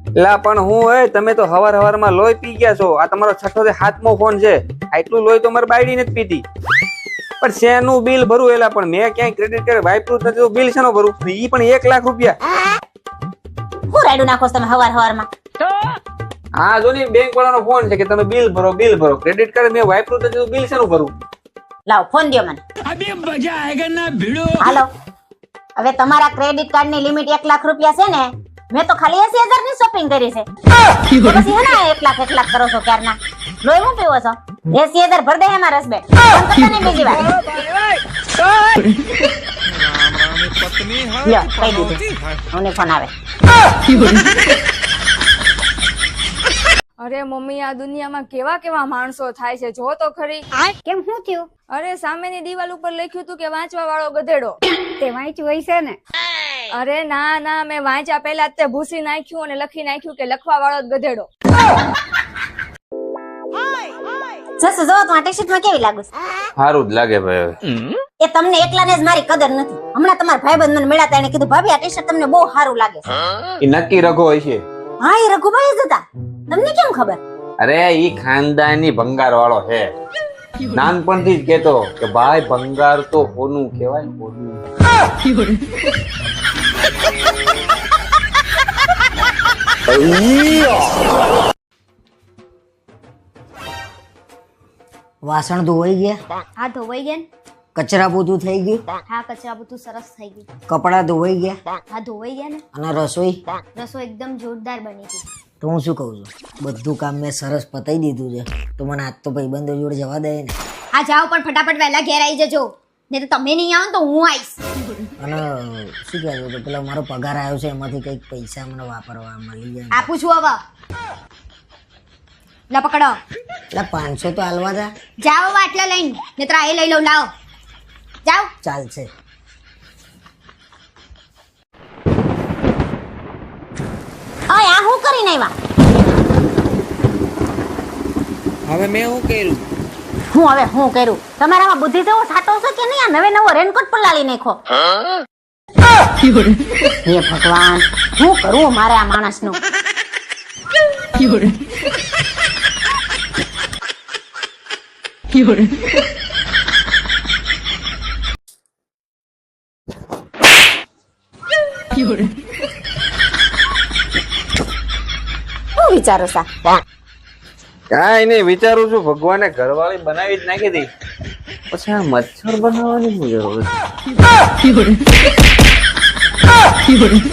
લા પણ હું હોય તમે તો હવારમાં લોહી પી ગયા છો. આ તમારો 6થો થી 7મો ફોન છે. આટલું લોહી તો મારી બાયડી નથી પીતી. પણ શેનું બિલ ભરું એલા પણ મેં ક્યાંય ક્રેડિટ કાર્ડ વાપર્યું જ નથી તો બિલ શેનો ભરું? ઈ પણ 1 લાખ રૂપિયા. હું રાડું નાખો તમે હવારમાં? હા જો ને બેંક વાળાનો ફોન છે કે તમે બિલ ભરો. ક્રેડિટ કાર્ડ મેં વાપર્યું નથી તો બિલ શેનું ભરું? લાવ ફોન દ્યો મને. अभी मजा आएगा ना भिड़ो. હાલો. હવે તમારા ક્રેડિટ કાર્ડ ની લિમિટ 1 લાખ રૂપિયા છે ને? મેં તો ખાલી 80,000 ની શોપિંગ કરી છે. તો પછી હે ને 1 લાખ કરો છો ક્યારના? લોહી હું પીવો છો? 80,000 ભર દે હે મારા હસબેન્ડ. ફોન કરતા નહીં બીજી વાર. લ્યો કહી દીધું. મને ફોન આવે. અરે મમ્મી આ દુનિયામાં કેવા કેવા માણસો થાય છે જો તો ખરી. કેમ શું થયું? અરે સામેની દિવાલ ઉપર લખ્યું હતું કે વાંચવા વાળો ગધેડો. તે વાંચ્યું હોય છે ને? અરે ના મેં વાંચ્યા પહેલા જ તે ભૂસી નાખ્યું અને લખી નાખ્યું કે લખવા વાળો જ ગધેડો. જસુ જો તો આ ટી-શર્ટ માં કેવી લાગુ છે? સારું જ લાગે ભાઈ. એ તમને એકલાને જ મારી કદર નથી. હમણાં તમારા ભાઈબંધ મને મળ્યા હતા એને કીધું ભાભી આ ટી-શર્ટ તમને બહુ સારું લાગે છે. ઈ નક્કી રઘો હોય છે. હા એ રઘુભાઈ જ હતા. તમને કેમ ખબર? અરે ઈ ખાનદાની ભંગાર વાળો છે. નાનપણથી જ કેતો કે ભાઈ ભંગાર તો હોનું કહેવાય હોનું. વાસણ ધોવાઈ ગયા, હા ધોવાઈ ગયા ને? કચરા પોતું થઈ ગયું, હા કચરા બધું સરસ થઈ ગયું. કપડા ધોવાઈ ગયા હા ધોવાઈ ગયા ને? અને રસોઈ. રસોઈ એકદમ જોરદાર બની હતી. તો હું શું કહું છું, બધું કામ મેં સરસ પતાઈ દીધું છે. તો મને આજ તો ભાઈબંધો જોડે જવા દે ને. હા જાઓ પણ ફટાફટ વહેલા ઘેર આવી જજો. નહીં તો તમે નહીં આવો ને તો હું આવીશ. અને શું કહેવું તો પેલા મારો પગાર આવ્યો છે એમાંથી કંઈક પૈસા મને વાપરવા મળી જાય. આપું છું હવે. લા પકડો. એટલે 500 તો હાલવા જા. જાઓ આટલા લઈને. નહીતર આ એ લઈ લઉં લાવો. જાઓ. ચાલશે. ઓય આ હું કરીને આવ્યા? હવે મેં શું કર્યું? હું કર્યું? તમારામાં બુદ્ધિ જેવો સાટો છે કે નહીં? આ નવો રેનકોટ પણ લાવી નાખો. હે ભગવાન શું કરું મારે આ માણસનું? શું વિચારો સા? કાંઈ નહીં વિચારું છું ભગવાને ઘરવાળી બનાવી જ નાખી હતી પછી આ મચ્છર બનાવવાની શું જરૂર છે?